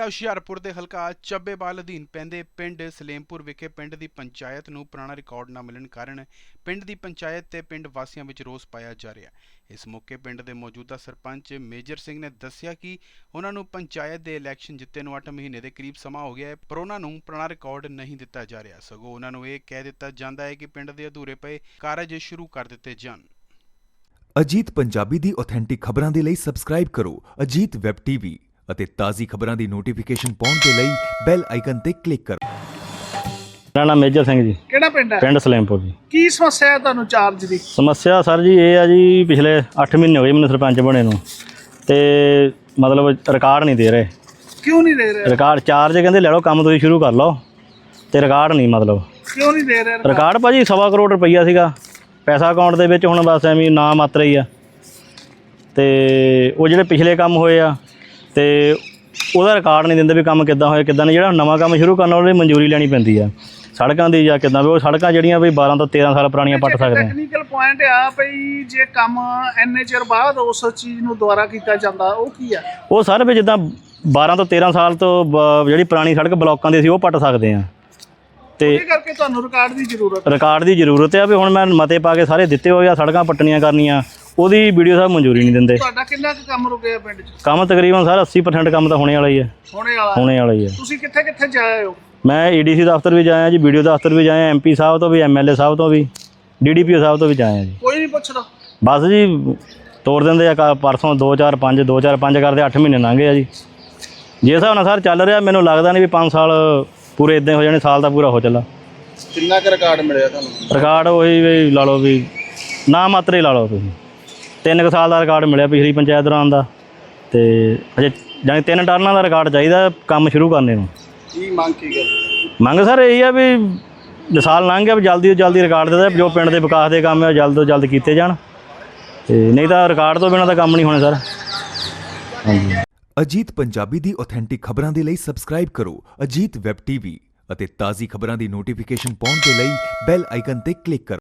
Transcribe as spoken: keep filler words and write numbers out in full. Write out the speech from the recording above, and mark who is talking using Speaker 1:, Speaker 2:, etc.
Speaker 1: ਹੁਸ਼ਿਆਰਪੁਰ ਦੇ ਹਲਕਾ ਚੱਬੇਵਾਲ ਅਧੀਨ ਪੈਂਦੇ ਪਿੰਡ ਸਲੇਮਪੁਰ ਵਿਖੇ ਪਿੰਡ ਦੀ ਪੰਚਾਇਤ ਨੂੰ ਪੁਰਾਣਾ ਰਿਕਾਰਡ ਨਾ ਮਿਲਣ ਕਾਰਨ ਪਿੰਡ ਦੀ ਪੰਚਾਇਤ ਤੇ ਪਿੰਡ ਵਾਸੀਆਂ ਵਿੱਚ ਰੋਸ ਪਾਇਆ ਜਾ ਰਿਹਾ ਹੈ। ਇਸ ਮੌਕੇ ਪਿੰਡ ਦੇ ਮੌਜੂਦਾ ਸਰਪੰਚ ਮੇਜਰ ਸਿੰਘ ਨੇ ਦੱਸਿਆ ਕਿ ਉਹਨਾਂ ਨੂੰ ਪੰਚਾਇਤ ਦੇ ਇਲੈਕਸ਼ਨ ਜਿੱਤੇ ਨੂੰ ਅੱਠ ਮਹੀਨੇ ਦੇ ਕਰੀਬ ਸਮਾਂ ਹੋ ਗਿਆ ਹੈ, ਪਰ ਉਹਨਾਂ ਨੂੰ ਪੁਰਾਣਾ ਰਿਕਾਰਡ ਨਹੀਂ ਦਿੱਤਾ ਜਾ ਰਿਹਾ। ਸਗੋਂ ਉਹਨਾਂ ਨੂੰ ਇਹ ਕਹਿ ਦਿੱਤਾ ਜਾਂਦਾ ਹੈ ਕਿ ਪਿੰਡ ਦੇ ਅਧੂਰੇ ਪਏ ਕਾਰਜ ਸ਼ੁਰੂ ਕਰ ਦਿੱਤੇ ਜਾਣ।
Speaker 2: ਅਜੀਤ ਪੰਜਾਬੀ ਦੀ ਆਥੈਂਟਿਕ ਖਬਰਾਂ ਦੇ ਲਈ ਸਬਸਕ੍ਰਾਈਬ ਕਰੋ ਅਜੀਤ ਵੈਬ ਟੀਵੀ ਅਤੇ ਤਾਜ਼ੀ ਖਬਰਾਂ ਦੀ ਨੋਟੀਫਿਕੇਸ਼ਨ ਪਾਉਣ ਦੇ ਲਈ ਬੈਲ ਆਈਕਨ ਤੇ ਕਲਿੱਕ ਕਰੋ।
Speaker 3: ਮੇਰਾ ਨਾਮ ਮੇਜਰ ਸਿੰਘ ਜੀ।
Speaker 4: ਕਿਹੜਾ ਪਿੰਡ ਹੈ?
Speaker 3: ਪਿੰਡ ਸਲੇਮਪੁਰ ਜੀ।
Speaker 4: ਕੀ ਸਮੱਸਿਆ ਹੈ ਤੁਹਾਨੂੰ ਚਾਰਜ ਦੀ?
Speaker 3: ਸਮੱਸਿਆ ਸਰ ਜੀ ਇਹ ਆ ਜੀ, ਪਿਛਲੇ ਅੱਠ ਮਹੀਨੇ ਹੋ ਗਏ ਮੈਨੂੰ ਸਰਪੰਚ ਬਣੇ ਨੂੰ, ਤੇ ਮਤਲਬ ਰਿਕਾਰਡ ਨਹੀਂ ਦੇ ਰਹੇ।
Speaker 4: ਕਿਉਂ ਨਹੀਂ ਦੇ ਰਹੇ?
Speaker 3: ਰਿਕਾਰਡ ਚਾਰਜ ਕਹਿੰਦੇ ਲੈ ਲਓ, ਕੰਮ ਤੁਸੀਂ ਸ਼ੁਰੂ ਕਰ ਲਓ, ਤੇ ਰਿਕਾਰਡ ਨਹੀਂ। ਮਤਲਬ
Speaker 4: ਕਿਉਂ ਨਹੀਂ ਦੇ ਰਹੇ
Speaker 3: ਰਿਕਾਰਡ? ਭਾਜੀ ਸਵਾ ਕਰੋੜ ਰੁਪਈਆ ਸੀਗਾ ਪੈਸਾ ਅਕਾਊਂਟ ਦੇ ਵਿੱਚ, ਹੁਣ ਬਸ ਐਵੇਂ ਨਾ ਮਾਤਰਾ ਹੀ ਆ। ਤੇ ਉਹ ਜਿਹੜੇ ਪਿਛਲੇ ਕੰਮ ਹੋਏ ਆ ਤੇ ਉਹਦਾ ਰਿਕਾਰਡ ਨਹੀਂ ਦਿੰਦੇ ਵੀ ਕੰਮ ਕਿੱਦਾਂ ਹੋਇਆ ਕਿੱਦਾਂ ਨਹੀਂ। ਜਿਹੜਾ ਨਵਾਂ ਕੰਮ ਸ਼ੁਰੂ ਕਰਨਾ ਉਹਦੀ ਮਨਜ਼ੂਰੀ ਲੈਣੀ ਪੈਂਦੀ ਆ ਸੜਕਾਂ ਦੀ ਜਾਂ ਕਿੱਦਾਂ ਵੀ। ਉਹ ਸੜਕਾਂ ਜਿਹੜੀਆਂ ਵੀ ਬਾਰਾਂ ਤੋਂ ਤੇਰਾਂ ਸਾਲ ਪੁਰਾਣੀਆਂ ਪੱਟ ਸਕਦੇ ਆ।
Speaker 4: ਟੈਕਨੀਕਲ ਪੁਆਇੰਟ ਆ ਭਈ ਜੇ ਕੰਮ ਇੰਨੇ ਚਿਰ ਬਾਅਦ ਉਸ ਚੀਜ਼ ਨੂੰ ਦੁਬਾਰਾ ਕੀਤਾ ਜਾਂਦਾ ਉਹ ਕੀ ਆ?
Speaker 3: ਉਹ ਸਰ ਵੀ ਜਿੱਦਾਂ ਬਾਰਾਂ ਤੋਂ ਤੇਰਾਂ ਸਾਲ ਤੋਂ ਬ- ਜਿਹੜੀ ਪੁਰਾਣੀ ਸੜਕ ਬਲੋਕਾਂ ਦੀ ਸੀ ਉਹ ਪੱਟ ਸਕਦੇ ਆ। ਤੇ
Speaker 4: ਇਹ ਕਰਕੇ ਤੁਹਾਨੂੰ ਰਿਕਾਰਡ ਦੀ ਜ਼ਰੂਰਤ
Speaker 3: ਰਿਕਾਰਡ ਦੀ ਜ਼ਰੂਰਤ ਆ ਵੀ ਹੁਣ ਮੈਂ ਮਤੇ ਪਾ ਕੇ ਸਾਰੇ ਦਿੱਤੇ ਹੋਏ ਆ, ਸੜਕਾਂ ਪੱਟਣੀਆਂ ਕਰਨੀਆਂ, ਉਹਦੀ ਵੀਡੀਓ ਸਾਹਿਬ ਮਨਜ਼ੂਰੀ ਨਹੀਂ ਦਿੰਦੇ।
Speaker 4: ਤੁਹਾਡਾ ਕਿੰਨਾ ਕੁ ਕੰਮ ਰੁਕਿਆ ਪਿੰਡ 'ਚ?
Speaker 3: ਕੰਮ ਤਕਰੀਬਨ ਸਰ ਅੱਸੀ ਪਰਸੈਂਟ ਕੰਮ ਤਾਂ ਹੋਣੇ ਵਾਲਾ ਹੀ ਆ।
Speaker 4: ਹੋਣੇ ਵਾਲਾ
Speaker 3: ਹੋਣੇ ਵਾਲਾ ਹੀ ਆ।
Speaker 4: ਤੁਸੀਂ ਕਿੱਥੇ ਕਿੱਥੇ ਜਾਏ ਹੋ?
Speaker 3: ਮੈਂ ਈ ਡੀ ਸੀ ਦਫ਼ਤਰ ਵੀ ਜਾਇਆ ਜੀ, ਵੀਡੀਓ ਦਫ਼ਤਰ ਵੀ ਜਾਇਆ, ਐਮ ਪੀ ਸਾਹਿਬ ਤੋਂ ਵੀ, ਐਮ ਐਲ ਏ ਸਾਹਿਬ ਤੋਂ ਵੀ, ਡੀ ਡੀ ਪੀ ਓ ਸਾਹਿਬ ਤੋਂ ਵੀ ਜਾਇਆ ਜੀ।
Speaker 4: ਕੋਈ ਨਹੀਂ ਪੁੱਛਦਾ?
Speaker 3: ਬਸ ਜੀ ਤੋੜ ਦਿੰਦੇ ਆ। ਕ- ਪਰਸੋਂ ਦੋ ਚਾਰ ਪੰਜ ਦੋ ਚਾਰ ਪੰਜ ਕਰਦੇ ਅੱਠ ਮਹੀਨੇ ਲੰਘ ਗਏ ਆ ਜੀ। ਜੇ ਹਿਸਾਬ ਨਾਲ ਸਰ ਚੱਲ ਰਿਹਾ, ਮੈਨੂੰ ਲੱਗਦਾ ਨਹੀਂ ਵੀ ਪੰਜ ਸਾਲ ਪੂਰੇ ਇੱਦਾਂ ਹੋ ਜਾਣੇ, ਸਾਲ ਦਾ ਪੂਰਾ ਹੋ ਚੱਲਾ।
Speaker 4: ਕਿੰਨਾ ਕੁ ਰਿਕਾਰਡ ਮਿਲਿਆ ਤੁਹਾਨੂੰ?
Speaker 3: ਰਿਕਾਰਡ ਉਹੀ ਵੀ ਲਾ ਲਓ ਵੀ ਨਾ ਮਾਤਰ ਹੀ ਲਾ ਲਓ ਤੁਸੀਂ। ਤਿੰਨ ਕੁ ਸਾਲ ਦਾ ਰਿਕਾਰਡ ਮਿਲਿਆ ਪਿਛਲੀ ਪੰਚਾਇਤ ਦੌਰਾਨ ਦਾ, ਤੇ ਅਜੇ ਜਾਣੀ ਤਿੰਨ ਟਰਨਾਂ ਦਾ ਰਿਕਾਰਡ ਚਾਹੀਦਾ ਕੰਮ ਸ਼ੁਰੂ ਕਰਨੇ ਨੂੰ।
Speaker 4: ਕੀ ਮੰਗ ਕੀ ਕਰ?
Speaker 3: ਮੰਗ ਸਰ ਇਹੀ ਆ ਵੀ ਸਾਲ ਲੰਘ ਗਿਆ ਵੀ ਜਲਦੀ ਤੋਂ ਜਲਦੀ ਰਿਕਾਰਡ ਦੇ ਦੇ, ਜੋ ਪਿੰਡ ਦੇ ਵਿਕਾਸ ਦੇ ਕੰਮ ਆ ਜਲਦ ਤੋਂ ਜਲਦ ਕੀਤੇ ਜਾਣ, ਤੇ ਨਹੀਂ ਤਾਂ ਰਿਕਾਰਡ ਤੋਂ ਬਿਨਾਂ ਤਾਂ ਕੰਮ ਨਹੀਂ ਹੋਣੇ ਸਰ। ਹਾਂਜੀ।
Speaker 2: ਅਜੀਤ ਪੰਜਾਬੀ ਦੀ ਆਥੈਂਟਿਕ ਖਬਰਾਂ ਦੇ ਲਈ ਸਬਸਕ੍ਰਾਈਬ ਕਰੋ ਅਜੀਤ ਵੈਬ ਟੀਵੀ ਅਤੇ ਤਾਜ਼ੀ ਖਬਰਾਂ ਦੀ ਨੋਟੀਫਿਕੇਸ਼ਨ ਪਾਉਣ ਦੇ ਲਈ ਬੈਲ ਆਈਕਨ ਤੇ ਕਲਿੱਕ ਕਰੋ।